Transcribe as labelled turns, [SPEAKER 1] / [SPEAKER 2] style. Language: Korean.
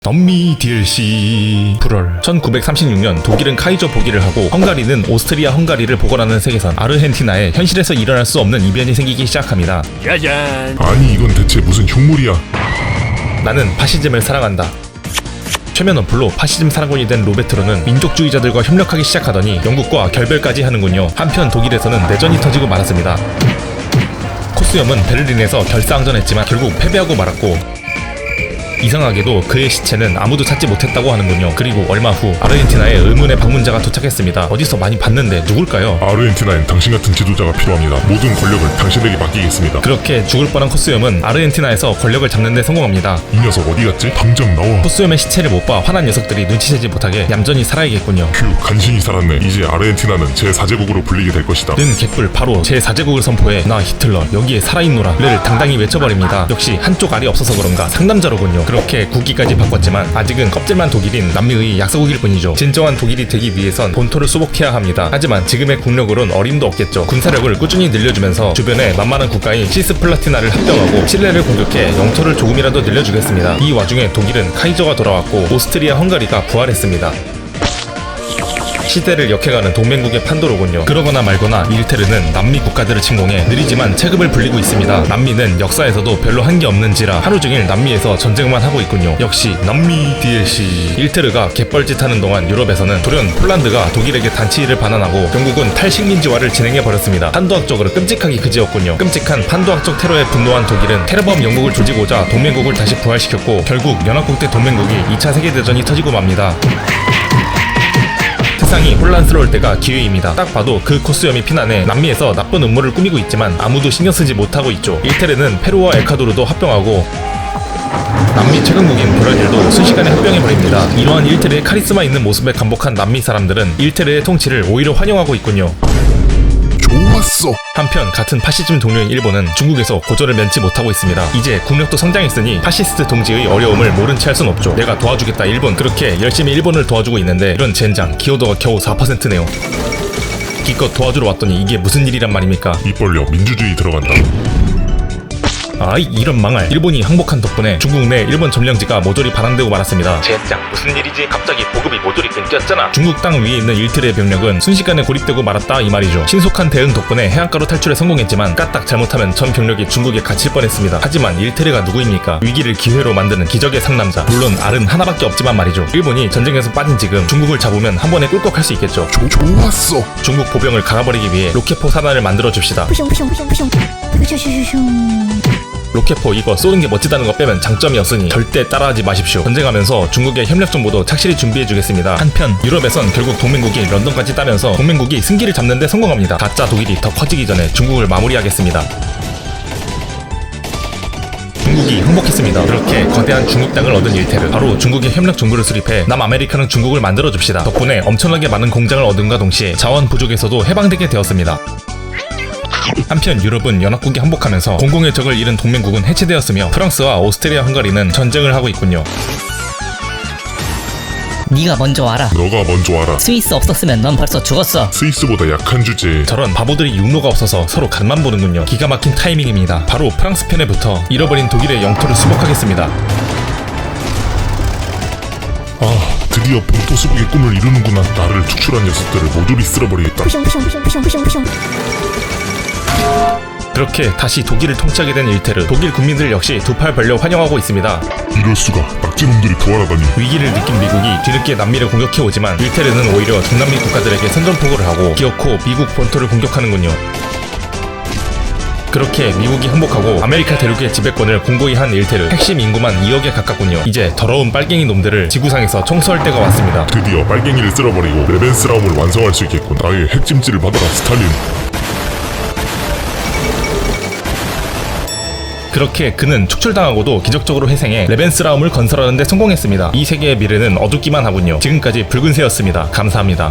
[SPEAKER 1] 남미 DLC 불얼 1936년 독일은 카이저 보기를 하고 헝가리는 오스트리아 헝가리를 복원하는 세계선 아르헨티나에 현실에서 일어날 수 없는 이변이 생기기 시작합니다.
[SPEAKER 2] 짜잔.
[SPEAKER 3] 아니 이건 대체 무슨 흉물이야.
[SPEAKER 1] 나는 파시즘을 사랑한다. 최면 언플로 파시즘 사랑꾼이 된 로베트로는 민족주의자들과 협력하기 시작하더니 영국과 결별까지 하는군요. 한편 독일에서는 내전이 터지고 말았습니다. 코스염은 베를린에서 결사항전했지만 결국 패배하고 말았고, 이상하게도 그의 시체는 아무도 찾지 못했다고 하는군요. 그리고 얼마 후 아르헨티나에 의문의 방문자가 도착했습니다. 어디서 많이 봤는데 누굴까요?
[SPEAKER 3] 아르헨티나엔 당신 같은 지도자가 필요합니다. 모든 권력을 당신에게 맡기겠습니다.
[SPEAKER 1] 그렇게 죽을 뻔한 코스염은 아르헨티나에서 권력을 잡는 데 성공합니다.
[SPEAKER 3] 이 녀석 어디 갔지? 당장 나와.
[SPEAKER 1] 코스염의 시체를 못 봐 화난 녀석들이 눈치채지 못하게 얌전히 살아야겠군요.
[SPEAKER 3] 휴, 간신히 살았네. 이제 아르헨티나는 제4제국으로 불리게 될 것이다.
[SPEAKER 1] 는 개뿔 바로 제4제국을 선포해 나 히틀러 여기에 살아있노라를 당당히 외쳐버립니다. 역시 한쪽 알이 없어서 그런가 상남자로군요. 그렇게 국기까지 바꿨지만 아직은 껍질만 독일인 남미의 약소국일 뿐이죠. 진정한 독일이 되기 위해선 본토를 수복해야 합니다. 하지만 지금의 국력으론 어림도 없겠죠. 군사력을 꾸준히 늘려주면서 주변에 만만한 국가인 시스플라티나를 합병하고 칠레를 공격해 영토를 조금이라도 늘려주겠습니다. 이 와중에 독일은 카이저가 돌아왔고 오스트리아 헝가리가 부활했습니다. 시대를 역행하는 동맹국의 판도로군요. 그러거나 말거나 일테르는 남미 국가들을 침공해 느리지만 체급을 불리고 있습니다. 남미는 역사에서도 별로 한 게 없는지라 하루 종일 남미에서 전쟁만 하고 있군요. 역시 남미 DLC. 일테르가 갯벌짓하는 동안 유럽에서는 돌연 폴란드가 독일에게 단치를 반환하고 영국은 탈식민지화를 진행해버렸습니다. 판도학적으로 끔찍하기 그지였군요. 끔찍한 판도학적 테러에 분노한 독일은 테러범 영국을 조지고자 동맹국을 다시 부활시켰고 결국 연합국대 동맹국이 2차 세계대전이 터지고 맙니다. 세상이 혼란스러울 때가 기회입니다. 딱 봐도 그 코스염이 피난해 남미에서 나쁜 음모를 꾸미고 있지만 아무도 신경쓰지 못하고 있죠. 일테르는 페루와 에콰도르도 합병하고 남미 최강국인 브라질도 순식간에 합병해버립니다. 이러한 일테르의 카리스마 있는 모습에 감복한 남미 사람들은 일테르의 통치를 오히려 환영하고 있군요.
[SPEAKER 3] 좋았어.
[SPEAKER 1] 한편 같은 파시즘 동료인 일본은 중국에서 고전을 면치 못하고 있습니다. 이제 국력도 성장했으니 파시스트 동지의 어려움을 모른 채 할 순 없죠. 내가 도와주겠다 일본. 그렇게 열심히 일본을 도와주고 있는데 이런 젠장 기여도가 겨우 4%네요. 기껏 도와주러 왔더니 이게 무슨 일이란 말입니까?
[SPEAKER 3] 입 벌려. 민주주의 들어간다.
[SPEAKER 1] 아이 이런 망할. 일본이 항복한 덕분에 중국 내 일본 점령지가 모조리 반환되고 말았습니다. 젠장 무슨 일이지? 갑자기 보급이 모조리 끊겼잖아. 중국 땅 위에 있는 일틀의 병력은 순식간에 고립되고 말았다 이 말이죠. 신속한 대응 덕분에 해안가로 탈출에 성공했지만 까딱 잘못하면 전 병력이 중국에 갇힐 뻔했습니다. 하지만 일테르가 누구입니까? 위기를 기회로 만드는 기적의 상남자. 물론 알은 하나밖에 없지만 말이죠. 일본이 전쟁에서 빠진 지금 중국을 잡으면 한 번에 꿀꺽할 수 있겠죠.
[SPEAKER 3] 좋았어.
[SPEAKER 1] 중국 보병을 갈아버리기 위해 로켓포 사단을 만들어줍시다. 로켓포 이거 쏘는 게 멋지다는 거 빼면 장점이 없으니 절대 따라하지 마십시오. 전쟁하면서 중국의 협력 정보도 착실히 준비해주겠습니다. 한편 유럽에선 결국 동맹국이 런던까지 따면서 동맹국이 승기를 잡는데 성공합니다. 가짜 독일이 더 커지기 전에 중국을 마무리하겠습니다. 중국이 항복했습니다. 그렇게 거대한 중국 땅을 얻은 일테르, 바로 중국의 협력 정보를 수립해 남아메리카는 중국을 만들어줍시다. 덕분에 엄청나게 많은 공장을 얻음과 동시에 자원 부족에서도 해방되게 되었습니다. 한편 유럽은 연합국이 항복하면서 공공의 적을 잃은 동맹국은 해체되었으며 프랑스와 오스트리아 헝가리는 전쟁을 하고 있군요.
[SPEAKER 2] 네가 먼저 와라.
[SPEAKER 3] 너가 먼저 와라.
[SPEAKER 2] 스위스 없었으면 넌 벌써 죽었어.
[SPEAKER 3] 스위스보다 약한 주제.
[SPEAKER 1] 저런 바보들이 육로가 없어서 서로 간만 보는군요. 기가 막힌 타이밍입니다. 바로 프랑스 편에 붙어 잃어버린 독일의 영토를 수복하겠습니다.
[SPEAKER 3] 아, 드디어 본토 수복의 꿈을 이루는구나. 나를 축출한 녀석들을 모조리 쓸어버리겠다.
[SPEAKER 1] 그렇게 다시 독일을 통치하게 된 일테르. 독일 국민들 역시 두 팔 벌려 환영하고 있습니다.
[SPEAKER 3] 이럴 수가. 낙지놈들이 부활하다니.
[SPEAKER 1] 위기를 느낀 미국이 뒤늦게 남미를 공격해오지만 일테르는 오히려 중남미 국가들에게 선전포고를 하고 기어코 미국 본토를 공격하는군요. 그렇게 미국이 항복하고 아메리카 대륙의 지배권을 공고히 한 일테르. 핵심 인구만 2억에 가깝군요. 이제 더러운 빨갱이 놈들을 지구상에서 청소할 때가 왔습니다.
[SPEAKER 3] 드디어 빨갱이를 쓸어버리고 레벤스라움을 완성할 수 있겠군. 나의 핵찜질을 받아라 스탈린.
[SPEAKER 1] 그렇게 그는 축출당하고도 기적적으로 회생해 레벤스라움을 건설하는 데 성공했습니다. 이 세계의 미래는 어둡기만 하군요. 지금까지 붉은새였습니다. 감사합니다.